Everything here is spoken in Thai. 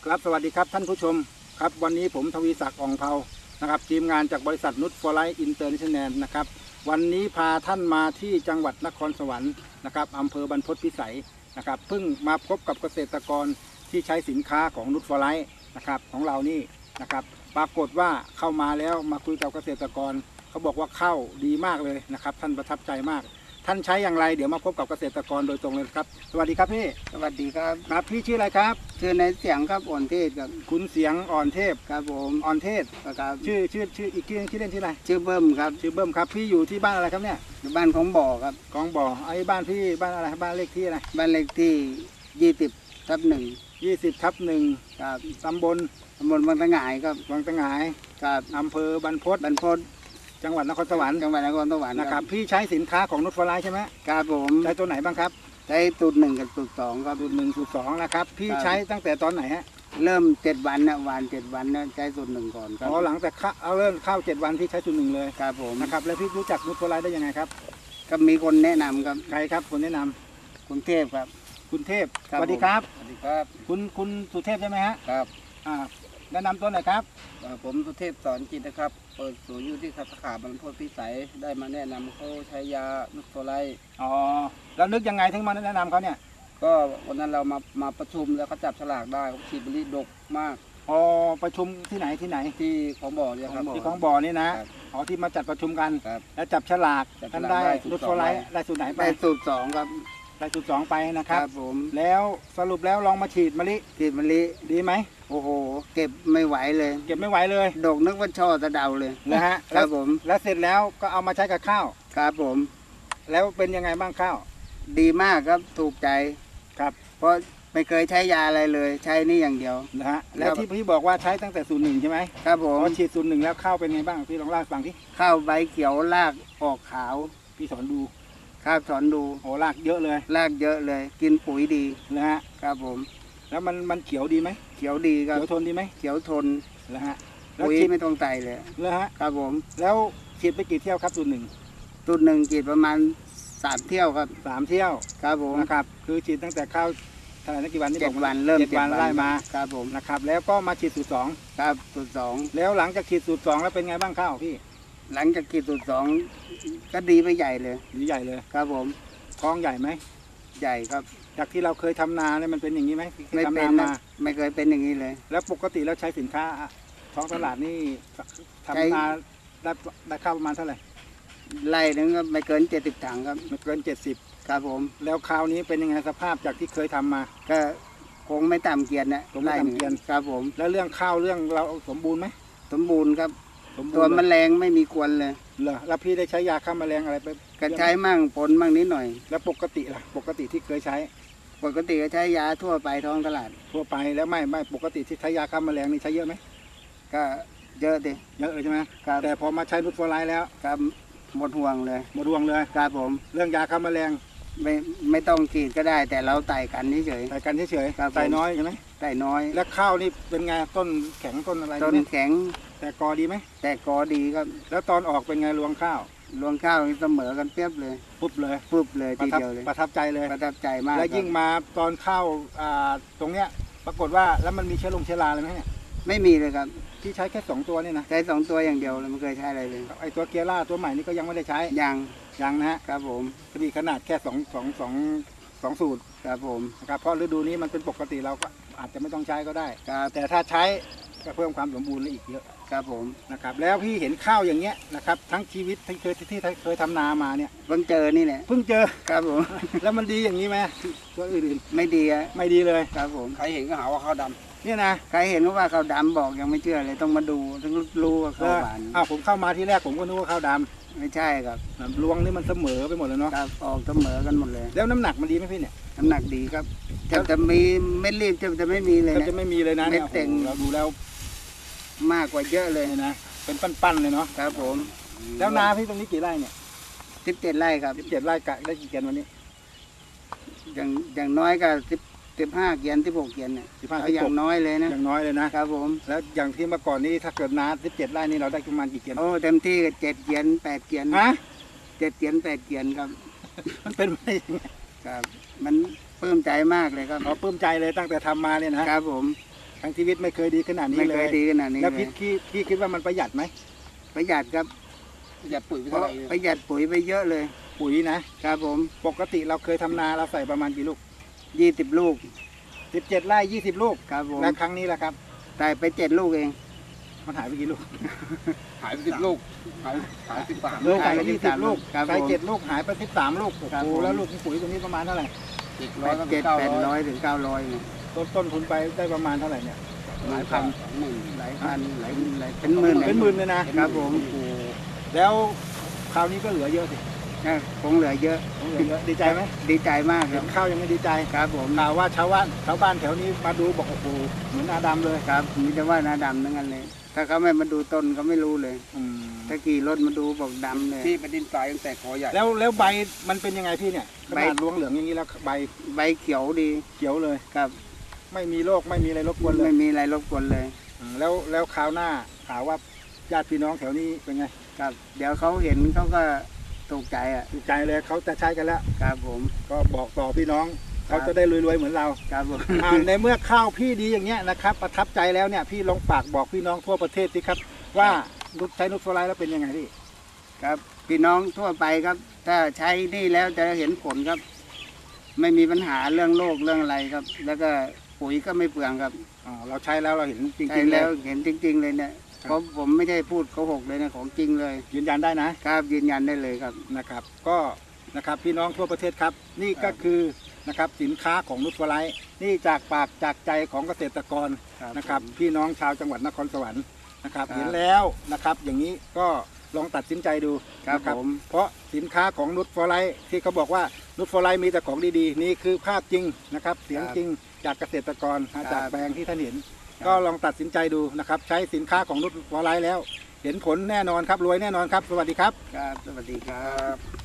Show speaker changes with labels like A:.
A: ครับสวัสดีครับท่านผู้ชมครับวันนี้ผมทวีศักดิ์อ่องเภานะครับทีมงานจากบริษัทนุชฟอร์ไลท์อินเตอร์เนชั่นแนลนะครับวันนี้พาท่านมาที่จังหวัดนครสวรรค์นะครับอำเภอบรรพตพิสัยนะครับเพิ่งมาพบกับเกษตรกรที่ใช้สินค้าของนุชฟอร์ไลท์นะครับของเรานี่นะครับปรากฏว่าเข้ามาแล้วมาคุยกับเกษตรกรเขาบอกว่าข้าวดีมากเลยนะครับท่านประทับใจมากท่านใช้อย่างไรเดี๋ยวมาพบกับเกษตรกรโดยตรงเลยครับสวัสดีครับพี่
B: สวัสดีครับ
A: ครับพี่ชื่ออะไรครับ
B: ชื่อในเสียงครับอ่อนเทศครับ
A: คุณเสียงอ่อนเทพ
B: ครับผม
A: อ่อนเทศ
B: ครับ
A: ชื่ออีกชื่อเล่นชื่ออะไร
B: ชื่อเบิ้มครับ
A: ชื่อเบิ้มครับพี่อยู่ที่บ้านอะไรครับเนี่ย
B: อยู่บ้านของบ่อครับ
A: ของบ่อไอ้บ้านพี่บ้านอะไรบ้านเลขที่อะไร
B: บ้านเลขที่20/1
A: 20/1
B: ครับ
A: ตำบล
B: วังตะหงายครับ
A: วังตะหงาย
B: ครับ
A: อำเภอบรรพตจังหวัดนครสวรรค์นะครับพี่ใช้สินค้าของนุชฟอร์ไลท์ใช่ไหม
B: ครับผม
A: ใช้ตัวไหนบ้างครับ
B: ใช้สูตร 1กับสูตร 2ครับ
A: สูตร 1สูตร 2นะครับพี่ใช้ตั้งแต่ตอนไหนฮะ
B: เริ่ม7 วันนะหวาน7 วันนะใช้สูตร 1ก่อนครับ
A: หลังจากเริ่มเข้า7 วันพี่ใช้สูตร 1เลย
B: ครับผม
A: นะครับแล้วพี่รู้จักนุชฟอร์ไลท์ได้ยังไงครับ
B: ก็มีคนแนะนำครับ
A: ใครครับคนแนะนำ
B: คุณเทพครับ
A: คุณเทพสวัสดีครับ
B: สวัสดีครับ
A: คุณสุเทพใช่ไหมฮะ
B: ครับ
A: แนะนำตัวหน่อยครับ
B: ผมสุเทพสอนจิตนะครับเปิดศูนย์อยู่ที่สาขาบรรพตพิสัยได้มาแนะนำเขาใช้ยานุชฟอร์ไลท์
A: แล้วนึกยังไงถึงมาแนะนำเขาเนี่ย
B: ก็วันนั้นเรามาประชุมแล้วเขาจับฉลากได้เขาฉีดบริดกมาก
A: ประชุมที่ไหน
B: ที่ของบ่อเนี่ยครับ
A: ที่ของบ่อนี่นะที่มาจัดประชุมกันแล้วจับฉลากท่านได้นุชฟอร์ไลท์ได้สูตรไหนไป
B: ได้สูตร 2ครับ
A: ได้สูตร 2ไปนะครับ
B: ผม
A: แล้วสรุปแล้วลองมาฉีดมะลิดีไหม
B: โอ้โหเก็บไม่ไหวเลย
A: ด
B: กนึกว่าช่อตะเดาเลย
A: นะฮะ
B: ครับผม
A: แล้วเสร็จแล้วก็เอามาใช้กับข้าว
B: ครับผม
A: แล้วเป็นยังไงบ้างข้าว
B: ดีมากครับถูกใจ
A: ครับ
B: เพราะไม่เคยใช้ยาอะไรเลยใช้นี่อย่างเดียว
A: นะฮะแล้วที่พี่บอกว่าใช้ตั้งแต่สูตร 1ใช่ไหม
B: ครับผม
A: พอฉีดสูตร 1แล้วข้าวเป็นไงบ้างพี่ลองเล่าให้ฟังที่
B: ข้าวใบเขียวรากออกขาว
A: พี่สอนดู
B: ครับสอนดู
A: รากเยอะเลย
B: กินปุ๋ยดี
A: นะฮะ
B: ครับผม
A: แล้วมันเขียวดีไหม
B: เขียวดีครับ
A: เขียวทนดีไหม
B: เขียวทน
A: นะฮะ
B: ปุ๋ยไม่ต้องใส่เลย
A: นะฮะ
B: ครับผม
A: แล้วฉีดไปกี่เที่ยวครับสูตร
B: 1ฉีดประมาณ3 เที่ยวครับ
A: 3 เที่ยว
B: ครับผม
A: นะครับคือฉีดตั้งแต่ข้าวเท่าไหร่นะกี่วันนี่
B: 7 วันเริ่ม7 วัน
A: ไล่มา
B: ครับผม
A: นะครับแล้วก็มาฉีดสูตร 2
B: ครับสูตร 2
A: แล้วหลังจากฉีดสูตร 2แล้วเป็นไงบ้างข้าวพี่
B: หลังจากฉีดสูตร 2ก็ดีไปใหญ่เลยครับผม
A: ท้องใหญ่ไหม
B: ใหญ่ครับ
A: จากที่เราเคยทำนาเนี่ยมันเป็นอย่างนี้ไหม
B: ไม่เป็นนะไม่เคยเป็นอย่างนี้เลย
A: แล้วปกติแล้วใช้สินค้าท้องตลาดนี่ทำนาได้ข้าวประมาณเท่าไหร่
B: ไร่นึงก็ไม่เกิน70 ถังครับ
A: ไม่เกิน70
B: ครับผม
A: แล้วคราวนี้เป็นยังไงสภาพจากที่เคยทำมา
B: ก็คงไม่ต่ำเกียรตินะ
A: ไร่เกียรติ
B: ครับผม
A: แล้วเรื่องข้าวเรื่องเราสมบูรณ์ไหม
B: สมบูรณ์ครับตัวแมลงไม่มีกวนเลย
A: เหรอแล้วพี่ได้ใช้ยาฆ่าแมลงอะไรไป
B: ก็ใช้มั่งผลมั่งนิดหน่อย
A: แล้วปกติล่ะปกติที่เคยใช้
B: ก็ใช้ยาทั่วไปท้องตลาด
A: ทั่วไปแล้วไม่ปกติที่ใช้ยาฆ่าแมลงนี่ใช้เยอะไหม
B: ก็เยอะดิ
A: เยอะเลยใช่ไหมแต่พอมาใช้นุชฟอร์ไลท์แล้ว
B: ครับหมดห่วงเลยครับผม
A: เรื่องยาฆ่าแมลง
B: ไม่ต้องฉีดก็ได้แต่เราไต่กันเฉย
A: ไต่น้อยใช่ไหม
B: ไต่น้อย
A: แล้วข้าวนี่เป็นไงต้นแข็งต้นอะไร
B: ต้นแข็ง
A: แต่กอดีไหม
B: แต่กอดีครับ
A: แล้วตอนออกเป็นไงรวงข้าว
B: เสมอกันเปียบเลย
A: ปุ๊บเลย
B: ทีเดียวเลย
A: ประทับใจเลย
B: ประทับใจมาก
A: แล้วยิ่งมาตอนข้าวตรงเนี้ยปรากฏว่าแล้วมันมีเชื้อราอะไรไหมเนี่ย
B: ไม่มีเลยครับ
A: ที่ใช้แค่2 ตัวนี่นะ
B: ใช้2 ตัวอย่างเดียวเลยไม่เคยใช้อะไรเลย
A: ไอตัวเกียร่าตัวใหม่นี่ก็ยังไม่ได้ใช้ยังนะฮะ
B: ครับผม
A: ขนาดแค่2สูตร
B: ครับผม
A: นะครับเพราะฤดูนี้มันเป็นปกติเราก็อาจจะไม่ต้องใช้ก็ได้แต่ถ้าใช้ก็เพิ่มความสมบูรณ์อีกเยอะ
B: ครับผม
A: นะครับแล้วพี่เห็นข้าวอย่างเงี้ยนะครับทั้งชีวิตที่เคยทำนามาเนี่ย
B: เพิ่งเจอนี่แหละครับผม
A: แล้วมันดีอย่างนี้ไหมตัวอื่น
B: ไม่ดี
A: เลย
B: ครับผม
A: ใครเห็นก็หาว่าข้าวดำเนี่ยนะ
B: ใครเห็นว่าข้าวดำบอกยังไม่เชื่อเลยต้องมาดูต้องรู้ว่าข้าวหวาน
A: ผมเข้ามาที่แรกผมก็นึกว่าข้าวดำ
B: ไม่ใช่ครับ
A: รวงนี่มันเสมอไปหมดเลยเนาะ
B: ครับออกเสมอกันหมดเลย
A: แล้วน้ำหนักมันดีไหมพี่เนี่ย
B: น้ำหนักดีครับจะมีไม่รีบจะไม่มีเลยนะ
A: จะไม่มีเลยนะ
B: เนี่ย
A: เราดูแล้ว
B: มากกว่าเยอะเลย
A: นะเป็นปั้นๆเลยเนาะ
B: ครับผม
A: แล้วนาพี่ตรงนี้กี่ไร่เนี่ย
B: 17 ไร่ครับ
A: 17 ไร่กะได้กี่เกียนวันนี้
B: อย่างน้อยก็15 เกียน16 เกียนเนี่ยอย่างน้อยเลยนะ
A: อย่างน้อยเลยนะครับ
B: ผม
A: แล้วอย่างที่เมื่อก่อนนี้ถ้าเกิดนา17 ไร่นี่เราได้ประมาณกี่เกียน
B: เต็มที่ก็7 เกียน8 เกียน7 เกียน8 เกียนครับ
A: มันเป็นไปยังไง
B: ครับมันปลื้มใจมากเลยครับ
A: ปลื้มใจเลยตั้งแต่ทำมาเนี่ยนะครับ
B: ผม
A: ทั้งชีวิตไม่เคยดีขนาดนี้
B: ไม่
A: เล
B: เค
A: ย
B: ยดีขนาดนี้
A: แล้ว
B: เลย
A: พี่คิดว่ามันประหยัดไหม
B: ประหยัดครับ
C: อย่าปุ๋ยไป
B: เพ
C: เท่า
B: ราะ
C: ไหร่
B: ประหยัดปุ๋ยไปเยอะเลย
A: ปุ๋ยนะครับ
B: ผม
A: ปกติเราเคยทำนาเราใส่ประมาณกี่ลูก
B: 20 ลูก
A: 17 ไร่20 ลูก
B: ครับผม
A: และครั้งนี้แหละครับ
B: ได้ไป7 ลูกเอง
A: มันหายไปกี่ลูก
C: หายไป10 ลูกหาย13
A: ลูก
B: หายไป
A: 20 ลูก
B: ครับ
A: ใส่
B: ผม
A: 7 ลูกหายไป13 ลูกโอ้
B: ครับ
A: โห
B: ผม
A: แล้วลูกของปุ๋ยตัวนี้ประมาณเท่าไหร่
C: 700ก็เป็น
B: 700-800 ถึง 900เนี่ย
A: ต้นทุนไปได้ประมาณเท่าไหร่เนี่ยหลายพัน
B: หลายพันหลายเป็นหมื่น
A: เป็นหมื่นเลยนะครับ
B: ผม
A: โอ้โหแล้วคราวนี้ก็เหลือเยอะสิ
B: คงเหลือเยอะ
A: เหลือเยอะดีใจไหม
B: ดีใจมากค
A: เห็
B: รับ
A: นข้าวยังไม่ดีใจ
B: ครับผม
A: ข่าวว่าชาวบ้านแถวนี้มาดูบอกโอ้โหเหมือนอาดัมเลย
B: ครับมีแต่ว่าหน้าดำทั้งนั้นเลย ถ้าเขาไม่มาดูต้นเขาไม่รู้เลย
A: อืม
B: ถ้าขี่รถมาดูบอกดำเลย
C: ที่เป็นดินทรายตั้งแต่คอใหญ่
A: แล้วใบมันเป็นยังไงพี่เนี่ยข
B: ใบ
A: นาดรวงเหลืองอย่างนี้แล้วใบ
B: ใบเขียวดี
A: เขียวเลย
B: ครับ
A: ไม่มีโรคไม่มีอะไรรบกวนเล
B: ไม่
A: ย
B: มีอะไรรบกวนเลย
A: แล้วคราวหน้าข่าวว่าญาติพี่น้องแถวนี้เป็นไง
B: ครับ เดี๋ยวเขาเห็นเขาก็ตกใจอ่ะ
A: ดีใจเลยเขาจะใช้กันแล้ว
B: ครับผม
A: ก็บอกต่อพี่น้อง
B: ครับ
A: เขาจะได้รวยๆเหมือนเรา
B: ครับผม
A: ในเมื่อข้าวพี่ดีอย่างเงี้ยนะครับประทับใจแล้วเนี่ยพี่ลองฝากบอกพี่น้องทั่วประเทศสิครับว่าใช้นุชโฟไลท์แล้วเป็นยังไงพี่
B: ครับพี่น้องทั่วไปครับ ถ้าใช้นี่แล้วจะเห็นผลครับ ไม่มีปัญหาเรื่องโรคเรื่องอะไรครับ แล้วก็ปุ๋ยก็ไม่เปลืองครับ
A: อ๋อเราใช้แล้วเราเห็นจ
B: ใช้
A: ริงๆ
B: แล้
A: แล้ว ว
B: เห็นจริง ๆ เลยเนี่ย
A: ครับ
B: เพราะผมไม่ใช่พูดโกหกเลยนะของจริงเลย
A: ยืนยันได้นะ
B: ครับยืนยันได้เลยครับ
A: นะครับก็นะครับพี่น้องทั่วประเทศครับ นี่ก็คือนะครับสินค้าของนุชโฟไลท์นี่จากปากจากใจของเกษตรกร
B: ครับ
A: นะครับพี่น้องชาวจังหวัดนครสวรรค์นะครับ
B: ครับ
A: เห็นแล้วนะครับอย่างนี้ก็ลองตัดสินใจดู
B: ครับ
A: นะ
B: ผม
A: เพราะสินค้าของนุชโฟไลท์ที่เขาบอกว่านุชโฟไลท์มีแต่ของดีๆ นี่คือภาพจริงนะครับเสียงจริงจากเกษตรกรจากแปลงที่ท่านเห็น ก็ลองตัดสินใจดูนะครับใช้สินค้าของนุชโฟไลท์แล้ว เห็นผลแน่นอนครับรวยแน่นอนครับ สวัสดีครับ
B: ครับสวัสดีครับ